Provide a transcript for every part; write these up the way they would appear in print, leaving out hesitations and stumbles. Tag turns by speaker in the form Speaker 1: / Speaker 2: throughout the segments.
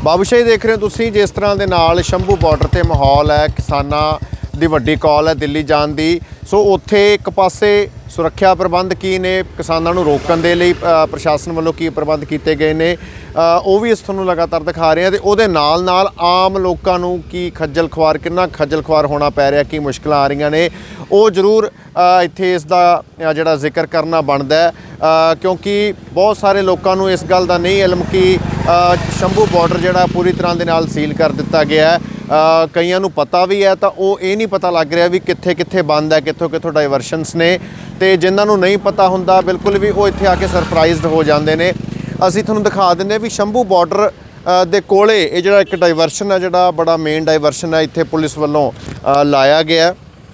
Speaker 1: ਬਾਬੂਸ਼ਾਹੀ ਦੇਖ ਰਹੇ ਹੋ ਤੁਸੀਂ। ਜਿਸ ਤਰ੍ਹਾਂ ਦੇ ਨਾਲ ਸ਼ੰਭੂ ਬਾਰਡਰ ਤੇ ਮਾਹੌਲ ਹੈ, ਕਿਸਾਨਾਂ ਦੀ ਵੱਡੀ ਕਾਲ ਹੈ ਦਿੱਲੀ ਜਾਣ ਦੀ। ਸੋ ਉੱਥੇ ਇੱਕ ਪਾਸੇ ਸੁਰੱਖਿਆ ਪ੍ਰਬੰਧ ਕੀ ਨੇ, ਕਿਸਾਨਾਂ ਨੂੰ ਰੋਕਣ ਦੇ ਲਈ ਪ੍ਰਸ਼ਾਸਨ ਵੱਲੋਂ ਕੀ ਪ੍ਰਬੰਧ ਕੀਤੇ ਗਏ ਨੇ, ਉਹ ਵੀ ਇਸ ਤੁਹਾਨੂੰ ਲਗਾਤਾਰ ਦਿਖਾ ਰਹੇ ਹਾਂ। ਤੇ ਉਹਦੇ ਨਾਲ ਨਾਲ ਆਮ ਲੋਕਾਂ ਨੂੰ ਕੀ ਖੱਜਲ ਖੁਆਰ, ਕਿੰਨਾ ਖੱਜਲ ਖੁਆਰ ਹੋਣਾ ਪੈ ਰਿਹਾ, ਕੀ ਮੁਸ਼ਕਲਾਂ ਆ ਰਹੀਆਂ ਨੇ, ਉਹ ਜ਼ਰੂਰ ਇੱਥੇ ਇਸ ਦਾ ਜਿਹੜਾ ਜ਼ਿਕਰ ਕਰਨਾ ਬਣਦਾ ਹੈ। ਕਿਉਂਕਿ ਬਹੁਤ ਸਾਰੇ ਲੋਕਾਂ ਨੂੰ ਇਸ ਗੱਲ ਦਾ ਨਹੀਂ ਇਲਮ ਕਿ ਸ਼ੰਭੂ ਬਾਰਡਰ ਜਿਹੜਾ ਪੂਰੀ ਤਰ੍ਹਾਂ ਦੇ ਨਾਲ ਸੀਲ ਕਰ ਦਿੱਤਾ ਗਿਆ ਹੈ। ਕਈਆਂ ਨੂੰ ਪਤਾ ਵੀ ਹੈ ਤਾਂ ਉਹ ਇਹ ਨਹੀਂ ਪਤਾ ਲੱਗ ਰਿਹਾ ਵੀ ਕਿੱਥੇ ਕਿੱਥੇ ਬੰਦ ਹੈ, ਕਿੱਥੋਂ ਕਿੱਥੋਂ ਡਾਈਵਰਸ਼ਨਸ ਨੇ। ਤੇ ਜਿਨ੍ਹਾਂ ਨੂੰ ਨਹੀਂ ਪਤਾ ਹੁੰਦਾ ਬਿਲਕੁਲ ਵੀ ਉਹ ਇੱਥੇ ਆ ਕੇ ਸਰਪ੍ਰਾਈਜ਼ਡ ਹੋ ਜਾਂਦੇ ਨੇ। ਅਸੀਂ ਤੁਹਾਨੂੰ ਦਿਖਾ ਦਿੰਦੇ ਵੀ ਸ਼ੰਭੂ ਬਾਰਡਰ ਦੇ ਕੋਲੇ ਇਹ ਜਿਹੜਾ ਇੱਕ ਡਾਈਵਰਸ਼ਨ ਹੈ, ਜਿਹੜਾ ਬੜਾ ਮੇਨ ਡਾਈਵਰਸ਼ਨ ਹੈ, ਇੱਥੇ ਪੁਲਿਸ ਵੱਲੋਂ ਲਾਇਆ ਗਿਆ।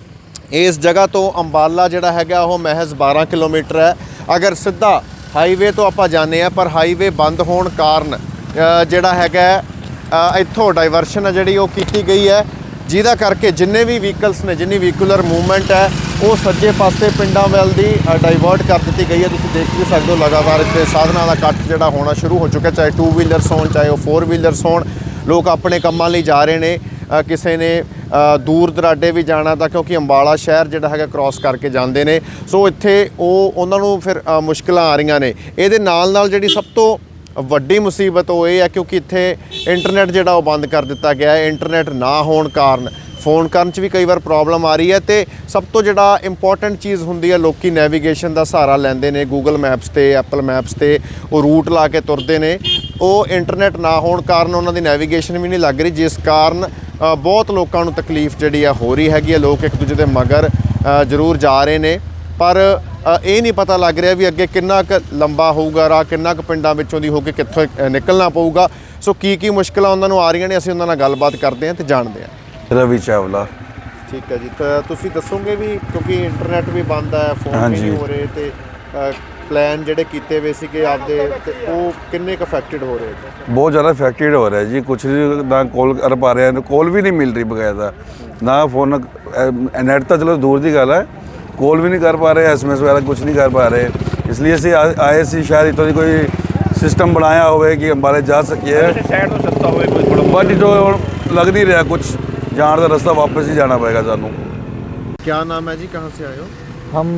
Speaker 1: ਇਸ ਜਗ੍ਹਾ ਤੋਂ ਅੰਬਾਲਾ ਜਿਹੜਾ ਹੈਗਾ ਉਹ ਮਹਿਜ਼ 12 ਕਿਲੋਮੀਟਰ ਹੈ। ਅਗਰ ਸਿੱਧਾ ਹਾਈਵੇ ਤੋਂ ਆਪਾਂ ਜਾਂਦੇ ਹਾਂ, ਪਰ ਹਾਈਵੇ ਬੰਦ ਹੋਣ ਕਾਰਨ ਜਿਹੜਾ ਹੈਗਾ ਇੱਥੋਂ ਡਾਈਵਰਸ਼ਨ ਹੈ ਜਿਹੜੀ ਉਹ ਕੀਤੀ ਗਈ ਹੈ, ਜਿਹਦਾ ਕਰਕੇ ਜਿੰਨੇ ਵੀ ਵਹੀਕਲਸ ਨੇ, ਜਿੰਨੀ ਵਹੀਕੂਲਰ ਮੂਵਮੈਂਟ ਹੈ ਉਹ ਸੱਜੇ ਪਾਸੇ ਪਿੰਡਾਂ ਵੱਲ ਦੀ ਡਾਈਵਰਟ ਕਰ ਦਿੱਤੀ ਗਈ ਹੈ। ਤੁਸੀਂ ਦੇਖ ਵੀ ਸਕਦੇ ਹੋ ਲਗਾਤਾਰ ਇੱਥੇ ਸਾਧਨਾਂ ਦਾ ਕੱਟ ਜਿਹੜਾ ਹੋਣਾ ਸ਼ੁਰੂ ਹੋ ਚੁੱਕਾ, ਚਾਹੇ 2 ਵੀਲਰਸ ਹੋਣ, ਚਾਹੇ ਉਹ 4 ਵੀਲਰਸ ਹੋਣ। ਲੋਕ ਆਪਣੇ ਕੰਮਾਂ ਲਈ ਜਾ ਰਹੇ ਨੇ। ਕਿਸੇ ਨੇ ਦੂਰ ਦਰਾਡੇ ਵੀ ਜਾਣਾ ਤਾਂ ਕਿਉਂਕਿ ਅੰਬਾਲਾ ਸ਼ਹਿਰ ਜਿਹੜਾ ਹੈਗਾ ਕ੍ਰਾਸ ਕਰਕੇ ਜਾਂਦੇ ਨੇ। ਸੋ ਇੱਥੇ ਉਹਨਾਂ ਨੂੰ ਫਿਰ ਮੁਸ਼ਕਲਾਂ ਆ ਰਹੀਆਂ ਨੇ। ਇਹਦੇ ਨਾਲ ਨਾਲ ਜਿਹੜੀ ਸਭ ਤੋਂ ਵੱਡੀ ਮੁਸੀਬਤ ਉਹ ਇਹ ਹੈ ਕਿਉਂਕਿ ਇੱਥੇ ਇੰਟਰਨੈਟ ਜਿਹੜਾ ਉਹ ਬੰਦ ਕਰ ਦਿੱਤਾ ਗਿਆ ਹੈ। ਇੰਟਰਨੈਟ ਨਾ ਹੋਣ ਕਾਰਨ फ़ोन करन च भी कई बार प्रॉब्लम आ रही है। तो सब तो जिहड़ा इंपॉर्टेंट चीज़ हुंदी है, लोग नैवीगेशन का सहारा लैंदे ने, गूगल मैप्स ते एप्पल मैप्स ते वो रूट ला के तुरते ने। वो इंटरनेट ना होने कारण उन्हों की नैवीगेशन भी नहीं लग रही, जिस कारण बहुत लोगों को तकलीफ जिहड़ी हो रही हैगी। लोग एक दूजे के मगर जरूर जा रहे हैं, पर ये नहीं पता लग रहा भी अगे किन्ना क लंबा होऊगा राह, किन्ना क पिंडां विचों दी हो के कित्थों निकलना पऊगा। सो की मुश्किलां उन्हां नूं आ रहीआं ने, असीं उन्हां नाल गलबात करते हैं ते जाणदे हां।
Speaker 2: रवि चावला।
Speaker 1: ठीक है जी, तो तुसीं दसोगे भी क्योंकि इंटरनेट भी बंद है, फोन भी नहीं हो रहे, तो प्लान जिहड़े कीते हुए सीगे आपदे ते ओह किन्ने क अफेक्टेड हो रहे हैं?
Speaker 2: बहुत ज़्यादा अफेक्टेड हो रहा है जी। कुछ ना कॉल कर पा रहे हैं, कॉल भी नहीं मिल रही बकायदा, ना फोन नेट तो चलो दूर की गल है, कॉल भी नहीं कर पा रहे, SMS वगैरह कुछ नहीं कर पा रहे। इसलिए ਅਸੀਂ ਆਏ ਸੀ ਸ਼ਾਇਦ ਇਤੋਂ ਦੀ ਕੋਈ ਸਿਸਟਮ ਬਣਾਇਆ ਹੋਵੇ ਕਿ ਅੰਬਾਲੇ ਜਾ ਸਕੀਏ।
Speaker 3: ਸ਼ਹਿਰ ਤੋਂ ਸਸਤਾ ਹੋਵੇ ਕੋਈ ਥੋੜਾ,
Speaker 2: ਬਟ ਜੋ ਲੱਗ नहीं रहा कुछ, जाने का रास्ता वापस ही जाना पड़ेगा सानू।
Speaker 1: क्या नाम है जी, कहाँ से आए हो?
Speaker 4: हम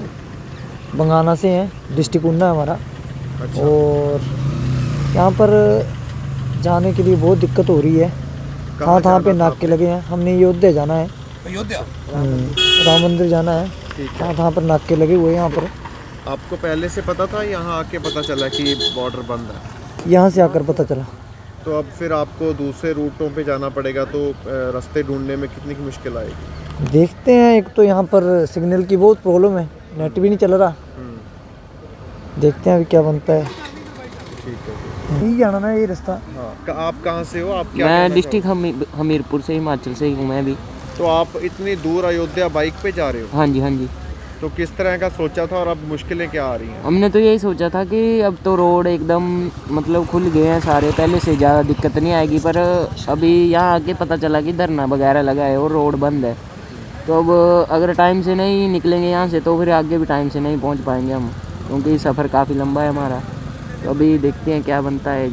Speaker 4: बंगाना से हैं, डिस्ट्रिक्ट उन्ना है हमारा।
Speaker 1: अच्छा।
Speaker 4: और यहाँ पर जाने के लिए बहुत दिक्कत हो रही है, कहाँ पे नाके लगे हैं। हमने अयोध्या जाना है,
Speaker 3: अयोध्या
Speaker 4: राम मंदिर जाना है, कहाँ पर नाके लगे हुए हैं। यहाँ पर
Speaker 1: आपको पहले से पता था, यहाँ आके पता चला कि बॉर्डर बंद है?
Speaker 4: यहाँ से आकर पता चला।
Speaker 1: तो अब फिर आपको दूसरे रूटों पे जाना पड़ेगा, तो रास्ते ढूंढने में कितनी की मुश्किल आएगी?
Speaker 4: देखते हैं, एक तो यहाँ पर सिग्नल की बहुत प्रॉब्लम है, नेट भी नहीं चल रहा। देखते हैं अभी क्या बनता है।
Speaker 1: ठीक है,
Speaker 4: यही जाना ना ये रास्ता।
Speaker 1: हाँ। आप कहाँ से हो? आप क्या?
Speaker 5: मैं डिस्ट्रिक्ट हमीरपुर से, हिमाचल से ही हूँ मैं भी।
Speaker 1: तो आप इतनी दूर अयोध्या बाइक पे जा रहे हो?
Speaker 5: हाँ जी, हाँ जी।
Speaker 1: तो किस तरह का सोचा था और अब मुश्किलें क्या आ रही हैं?
Speaker 5: हमने तो यही सोचा था कि अब तो रोड एकदम मतलब खुल गए हैं सारे, पहले से ज़्यादा दिक्कत नहीं आएगी, पर अभी यहाँ आके पता चला कि धरना वगैरह लगा है और रोड बंद है। तो अब अगर टाइम से नहीं निकलेंगे यहाँ से तो फिर आगे भी टाइम से नहीं पहुँच पाएंगे हम, क्योंकि सफ़र काफ़ी लंबा है हमारा। तो अभी देखते हैं क्या बनता है।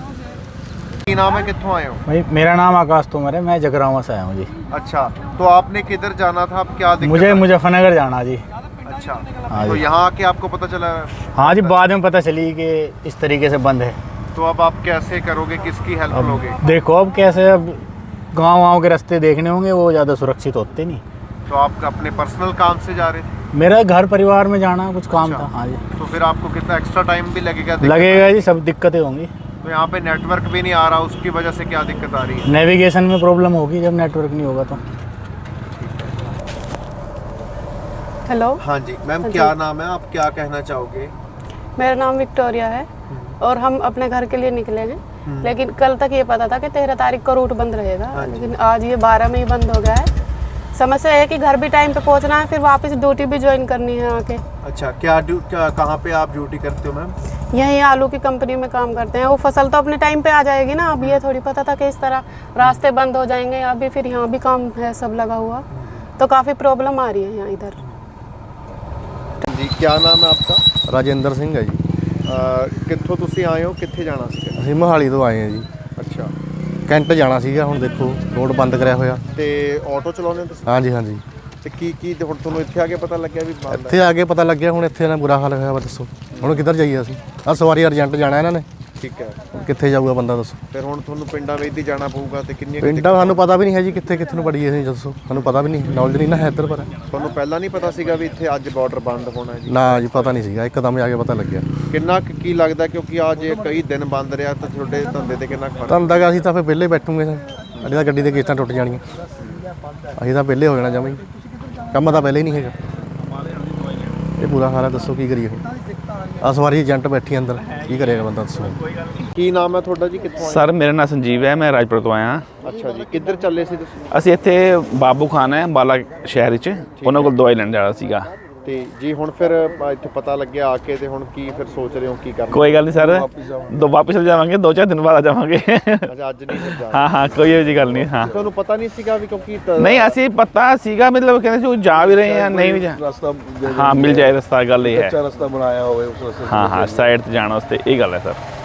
Speaker 1: नाम है, कित्थों आए हो?
Speaker 3: भाई मेरा नाम आकाश तोमर है, मैं जगरावा से आया हूँ जी।
Speaker 1: अच्छा, तो आपने किधर जाना था, अब क्या दिक्कत?
Speaker 3: मुझे मुजफ्फरनगर जाना जी।
Speaker 1: अच्छा।
Speaker 3: हाँ
Speaker 1: तो
Speaker 3: जी।
Speaker 1: यहाँ आके आपको पता चला?
Speaker 3: हाँ जी, बाद में पता चली कि इस तरीके से बंद है।
Speaker 1: तो अब आप कैसे करोगे, किसकी हेल्प लोगे?
Speaker 3: देखो अब कैसे, अब गाँव के रास्ते देखने होंगे, वो ज़्यादा सुरक्षित होते नहीं।
Speaker 1: तो आप अपने पर्सनल काम से जा रहे थे?
Speaker 3: मेरा घर परिवार में जाना कुछ काम था। हाँ जी।
Speaker 1: तो फिर आपको कितना एक्स्ट्रा टाइम भी लगेगा?
Speaker 3: लगेगा जी, सब दिक्कतें होंगी।
Speaker 1: तो यहाँ पे नेटवर्क भी नहीं आ रहा, उसकी वजह से क्या दिक्कत आ रही है?
Speaker 3: नेविगेशन में प्रॉब्लम होगी जब नेटवर्क नहीं होगा तो।
Speaker 1: हेलो। हाँ जी मैम, क्या नाम है, आप क्या कहना चाहोगे?
Speaker 6: मेरा नाम विक्टोरिया है और हम अपने घर के लिए निकले हैं, लेकिन कल तक ये पता था कि 13 तारीख को रूट बंद रहेगा, लेकिन आज ये 12 में ही बंद हो गया है। समस्या है कि घर भी टाइम पे पहुंचना है, फिर वापस ड्यूटी भी ज्वाइन करनी है आके।
Speaker 1: अच्छा, क्या कहाँ पे आप ड्यूटी करते हो मैम?
Speaker 6: यहीं आलू की कंपनी में काम करते हैं। वो फसल तो अपने टाइम पे आ जाएगी ना, अब ये थोड़ी पता था कि इस तरह रास्ते बंद हो जाएंगे। अभी फिर यहाँ भी काम है सब लगा हुआ, तो काफ़ी प्रॉब्लम आ रही है यहाँ इधर।
Speaker 1: जी, क्या नाम है आपका?
Speaker 7: राजेंद्र सिंह है जी।
Speaker 1: कित्थों तुसी आए हो, कित्थे जाना सी?
Speaker 7: ਅਸੀਂ ਮੋਹਾਲੀ ਤੋਂ ਆਏ ਹਾਂ ਜੀ।
Speaker 1: ਅੱਛਾ,
Speaker 7: ਕੈਂਟ ਜਾਣਾ ਸੀਗਾ, ਹੁਣ ਦੇਖੋ ਰੋਡ ਬੰਦ ਕਰਿਆ ਹੋਇਆ।
Speaker 1: ਤੇ ਆਟੋ ਚਲਾਉਂਦੇ ਹੋ ਤੁਸੀਂ?
Speaker 7: ਹਾਂਜੀ ਹਾਂਜੀ,
Speaker 1: ਤੇ ਕੀ ਹੁਣ ਤੁਹਾਨੂੰ ਇੱਥੇ ਆ ਕੇ ਪਤਾ ਲੱਗਿਆ ਵੀ ਬੰਦ ਹੈ?
Speaker 7: ਇੱਥੇ ਆ ਕੇ ਪਤਾ ਲੱਗਿਆ, ਹੁਣ ਇੱਥੇ ਨਾ ਬੁਰਾ ਹਾਲ ਹੋਇਆ ਵਾ। ਦੱਸੋ ਹੁਣ ਕਿੱਧਰ ਜਾਈਏ ਅਸੀਂ? ਆ ਸਵਾਰੀ ਅਰਜੈਂਟ ਜਾਣਾ ਇਹਨਾਂ ਨੇ,
Speaker 1: ਠੀਕ ਹੈ,
Speaker 7: ਹੁਣ ਕਿੱਥੇ ਜਾਊਗਾ ਬੰਦਾ ਦੱਸੋ?
Speaker 1: ਫਿਰ ਹੁਣ ਤੁਹਾਨੂੰ ਪਿੰਡਾਂ ਵਿੱਚ ਹੀ ਜਾਣਾ ਪਊਗਾ ਤੇ ਕਿੰਨੀਆਂ
Speaker 7: ਪਿੰਡਾਂ ਸਾਨੂੰ ਪਤਾ ਵੀ ਨਹੀਂ ਹੈ ਜੀ, ਕਿੱਥੇ ਕਿੱਥੇ ਨੂੰ ਪੜੀਏ ਅਸੀਂ ਦੱਸੋ? ਸਾਨੂੰ ਪਤਾ ਵੀ ਨਹੀਂ, ਨੌਲੇਜ ਨਹੀਂ ਨਾ ਹੈ ਇੱਧਰ ਪਰ।
Speaker 1: ਤੁਹਾਨੂੰ ਪਹਿਲਾਂ ਨਹੀਂ ਪਤਾ ਸੀਗਾ ਵੀ ਇੱਥੇ ਅੱਜ ਬਾਰਡਰ ਬੰਦ ਹੋਣਾ ਹੈ ਜੀ?
Speaker 7: ਨਾ ਜੀ ਪਤਾ ਨਹੀਂ ਸੀਗਾ, ਇੱਕਦਮ ਆ ਕੇ ਪਤਾ ਲੱਗਿਆ।
Speaker 1: ਕਿੰਨਾ ਕੀ ਲੱਗਦਾ, ਕਿਉਂਕਿ ਅੱਜ ਇਹ ਕਈ ਦਿਨ ਬੰਦ ਰਿਹਾ ਤਾਂ ਤੁਹਾਡੇ ਧੰਦੇ ਤੇ ਕਿੰਨਾ ਫਰਕ?
Speaker 7: ਤੁਹਾਨੂੰ ਤਾਂ ਅਸੀਂ ਤਾਂ ਫਿਰ ਵਿਹਲੇ ਬੈਠੂਗੇ, ਸਾਡੀ ਤਾਂ ਗੱਡੀ ਦੇ ਕਿਸ਼ਤਾਂ ਟੁੱਟ ਜਾਣੀਆਂ, ਅਸੀਂ ਤਾਂ ਵਿਹਲੇ ਹੋ ਜਾਣਾ ਜਮਾਂ ਹੀ, ਕੰਮ ਤਾਂ ਪਹਿਲੇ ਹੀ ਨਹੀਂ ਹੈਗਾ। ਇਹ ਪੂਰਾ ਹਾਲ ਹੈ, ਦੱਸੋ ਕੀ ਕਰੀਏ ਹੁਣ? ਆ ਸਵਾਰੀ ਏਜੰਟ ਬੈਠੀ ਅੰਦਰ, ਕੀ ਕਰੇਗਾ ਬੰਦਾ ਦੱਸੋ?
Speaker 1: ਕੀ ਨਾਮ ਹੈ ਤੁਹਾਡਾ ਜੀ, ਕਿੱਥੋਂ ਆਏ?
Speaker 8: ਸਰ ਮੇਰਾ ਨਾਮ ਸੰਜੀਵ ਹੈ, ਮੈਂ ਰਾਜਪੁਰ ਤੋਂ ਆਇਆ।
Speaker 1: ਅੱਛਾ ਜੀ, ਕਿੱਧਰ ਚੱਲੇ ਸੀ ਤੁਸੀਂ?
Speaker 8: ਅਸੀਂ ਇੱਥੇ ਬਾਬੂ ਖਾਨ ਹੈ ਅੰਬਾਲਾ ਸ਼ਹਿਰ ਵਿੱਚ, ਉਹਨਾਂ ਕੋਲ ਦਵਾਈ ਲੈਣ ਜਾਣਾ ਸੀਗਾ।
Speaker 1: ਤੇ ਜੀ ਹੁਣ ਫਿਰ ਇੱਥੇ ਪਤਾ ਲੱਗਿਆ ਆ ਕੇ, ਤੇ ਹੁਣ ਕੀ ਫਿਰ ਸੋਚ ਰਹੇ ਹੋ ਕੀ ਕਰਨਾ?
Speaker 8: ਕੋਈ ਗੱਲ ਨਹੀਂ ਸਰ, ਵਾਪਸ ਚਲੇ ਜਾਵਾਂਗੇ, 2-4 ਦਿਨ ਬਾਅਦ ਆ ਜਾਵਾਂਗੇ।
Speaker 1: ਅੱਛਾ, ਅੱਜ ਨਹੀਂ ਫਿਰ ਜਾਣਾ?
Speaker 8: ਹਾਂ ਹਾਂ, ਕੋਈ ਇਹੋ ਜਿਹੀ ਗੱਲ ਨਹੀਂ। ਹਾਂ
Speaker 1: ਤੁਹਾਨੂੰ ਪਤਾ ਨਹੀਂ ਸੀਗਾ ਵੀ, ਕਿਉਂਕਿ
Speaker 8: ਨਹੀਂ ਅਸੀਂ ਪਤਾ ਸੀਗਾ, ਮਤਲਬ ਕਹਿੰਦੇ ਸੀ ਜਾ ਵੀ ਰਹੇ ਆ, ਨਹੀਂ ਵੀ ਜਾ,
Speaker 2: ਰਸਤਾ
Speaker 8: ਹਾਂ ਮਿਲ ਜਾਏ ਰਸਤਾ, ਗੱਲ ਇਹ ਹੈ।
Speaker 2: ਰਸਤਾ ਬਣਾਇਆ ਹੋਵੇ ਉਸ ਰਸਤੇ
Speaker 8: ਹਾਂ ਹਾਂ, ਸਾਈਡ ਤੇ ਜਾਣ ਵਾਸਤੇ ਇਹ ਗੱਲ ਹੈ ਸਰ।